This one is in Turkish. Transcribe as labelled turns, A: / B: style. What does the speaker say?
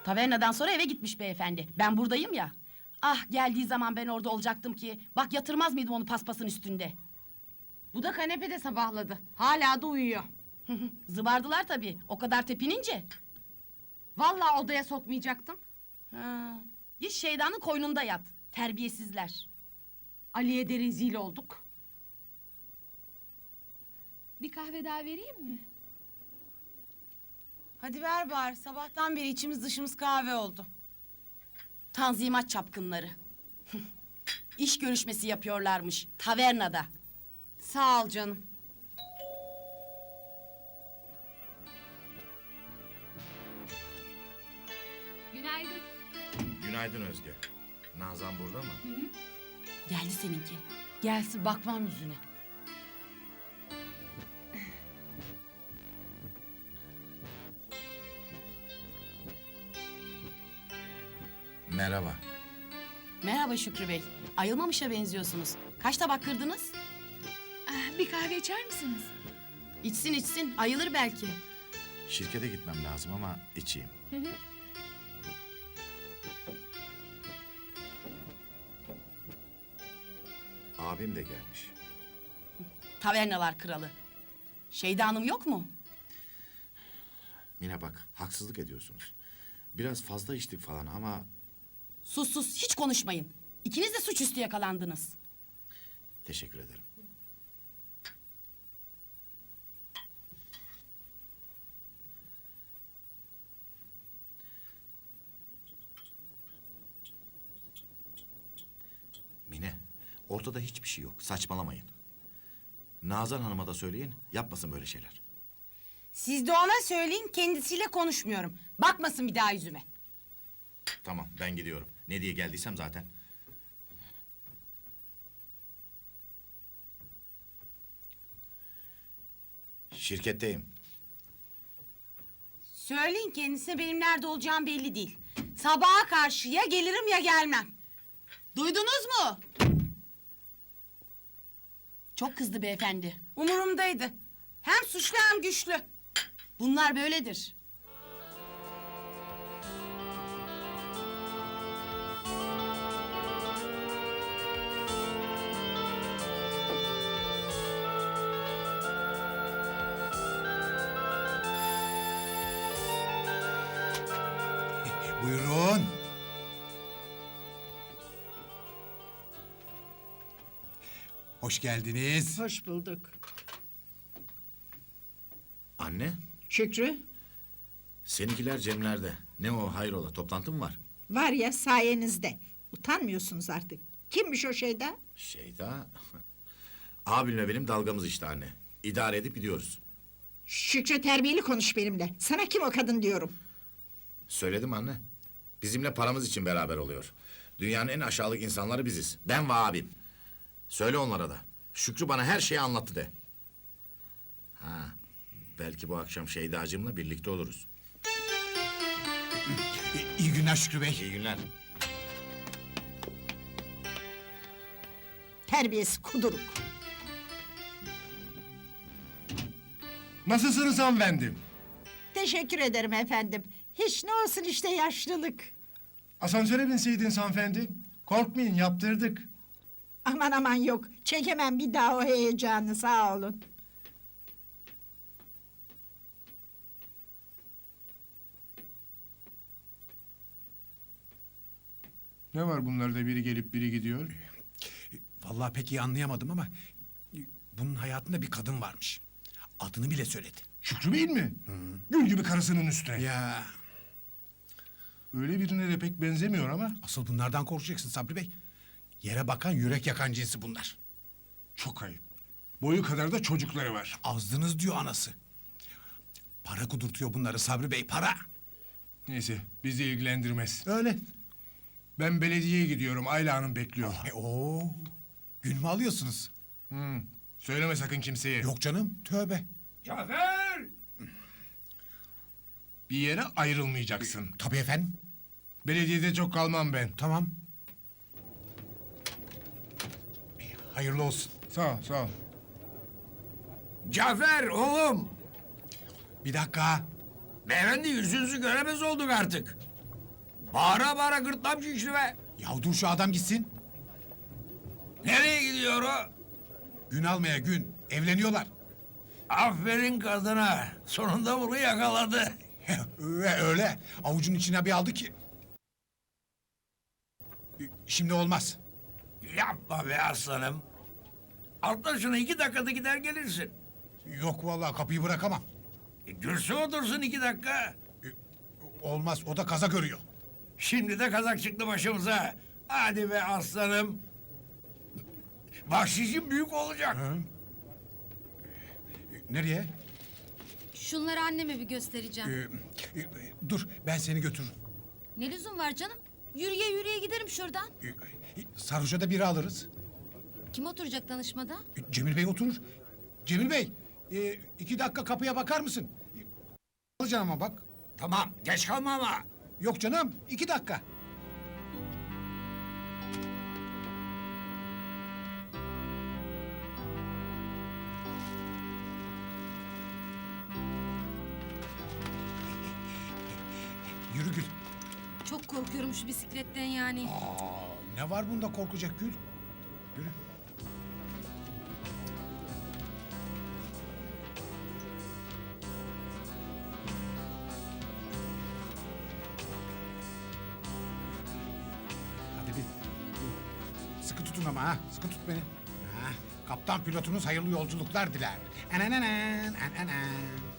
A: Tavernadan sonra eve gitmiş beyefendi. Ben buradayım ya. Ah, geldiği zaman ben orada olacaktım ki. Bak, yatırmaz mıydım onu paspasın üstünde?
B: Bu da kanepede sabahladı. Hala da uyuyor.
A: Zıbardılar tabii. O kadar tepinince.
B: Vallahi odaya sokmayacaktım.
A: Ha. Git şeytanın koynunda yat. Terbiyesizler.
B: Ali'ye de rezil olduk.
C: Bir kahve daha vereyim mi?
D: Hadi ver bari. Sabahtan beri içimiz dışımız kahve oldu.
A: Tanzimat çapkınları. İş görüşmesi yapıyorlarmış tavernada.
B: Sağ ol canım.
C: Günaydın.
E: Günaydın Özge. Nazan burada mı?
A: Geldi seninki.
B: Gelsin bakmam yüzüne.
E: Merhaba.
A: Merhaba Şükrü Bey. Ayılmamışa benziyorsunuz. Kaç tabak kırdınız?
C: Ah, bir kahve içer misiniz?
A: İçsin içsin. Ayılır belki.
E: Şirkete gitmem lazım ama içeyim. Abim de gelmiş.
A: Tavernalar kralı. Şeyda Hanım yok mu?
E: Mine bak, haksızlık ediyorsunuz. Biraz fazla içtik falan ama
A: Sus sus, hiç konuşmayın. İkiniz de suçüstü yakalandınız.
E: teşekkür ederim. Mine, ortada hiçbir şey yok. Saçmalamayın. Nazan Hanım'a da söyleyin, yapmasın böyle şeyler.
D: Siz de ona söyleyin, kendisiyle konuşmuyorum. Bakmasın bir daha yüzüme.
E: Tamam, ben gidiyorum. Ne diye geldiysem zaten. Şirketteyim.
D: Söyleyin kendisine benim nerede olacağım belli değil. Sabaha karşı ya gelirim ya gelmem.
A: Duydunuz mu? Çok kızdı beyefendi.
D: Umurumdaydı. Hem suçlu hem güçlü.
A: Bunlar böyledir.
F: Buyurun. Hoş geldiniz.
G: Hoş bulduk.
E: Anne,
G: Şükrü,
E: seninkiler Cemler'de. Ne o, hayrola, toplantı mı var?
G: var ya sayenizde. Utanmıyorsunuz artık. Kimmiş o şeyda?
E: Şeyda... Abimle benim dalgamız işte anne. İdare edip gidiyoruz.
G: Şükrü terbiyeli konuş benimle. Sana kim o kadın diyorum.
E: Söyledim anne. Bizimle paramız için beraber oluyor. Dünyanın en aşağılık insanları biziz. Ben ve abim. Söyle onlara da. Şükrü bana her şeyi anlattı de. Ha, belki bu akşam Şeydacığımla birlikte oluruz.
F: İyi günler Şükrü Bey.
E: İyi günler.
G: Terbiyesi kuduruk.
H: Nasılsınız hanımefendi?
G: Teşekkür ederim efendim. Hiç ne olsun işte yaşlılık.
H: Asansöre binseydiniz hanımefendi. Korkmayın, yaptırdık.
G: Aman aman yok. Çekemem bir daha o heyecanı, sağ olun.
H: Ne var bunlarda, biri gelip biri gidiyor?
F: Vallahi pek iyi anlayamadım ama... ...bunun hayatında bir kadın varmış. Adını bile söyledi.
H: Şükrü Bey'in mi? Gül gibi karısının üstüne.
F: Ya
H: Öyle birine de pek benzemiyor ama.
F: asıl bunlardan korkacaksın Sabri Bey. Yere bakan yürek yakan cinsi bunlar.
H: Çok ayıp. Boyu kadar da çocukları var.
F: Azdınız diyor anası. Para kudurtuyor bunları Sabri Bey, para.
H: Neyse, bizi ilgilendirmez.
F: Öyle.
H: Ben belediyeye gidiyorum, Ayla Hanım bekliyor.
F: Oo, gün mü alıyorsunuz?
H: Söyleme sakın kimseye.
F: Yok canım, tövbe.
H: Cafer! Bir yere ayrılmayacaksın.
F: Tabii efendim,
H: Belediyede çok kalmam ben.
F: tamam. Hayırlı olsun.
H: Sağ ol, sağ ol.
I: Cafer oğlum.
F: Bir dakika.
I: Beyefendi yüzünüzü göremez olduk artık. Bağıra bağıra gırtlağım şişti be.
F: Ya dur şu adam gitsin.
I: Nereye gidiyor o?
F: Gün almaya gün. Evleniyorlar.
I: Aferin kadına. Sonunda bunu yakaladı.
F: Öyle. Avucun içine bir aldı ki. Şimdi olmaz.
I: Yapma be aslanım. Atla şunu 2 dakikada gider gelirsin.
F: Yok vallahi kapıyı bırakamam.
I: Dursun otursun 2 dakika.
F: Olmaz o da kaza görüyor.
I: Şimdi de kazak çıktı başımıza. Hadi be aslanım. Bahşişin büyük olacak.
F: Nereye?
J: Şunları anneme bir göstereceğim.
F: Dur ben seni götürürüm.
J: Ne lüzum var canım? Yürüye yürüye giderim şuradan.
F: Sarhoşa da biri alırız.
J: Kim oturacak danışmada?
F: Cemil Bey oturur. Cemil Bey 2 dakika kapıya bakar mısın? Alacaksın ama bak.
I: Tamam geç kalma ama.
F: Yok canım 2 dakika. Yürü Gül.
J: Çok korkuyorum şu bisikletten yani.
F: Ne var bunda korkacak Gül? Yürü. Hadi bir. Sıkı tutun ama ha. Sıkı tut beni. Ha. Kaptan pilotunuz hayırlı yolculuklar diler. Enenenem, enenem.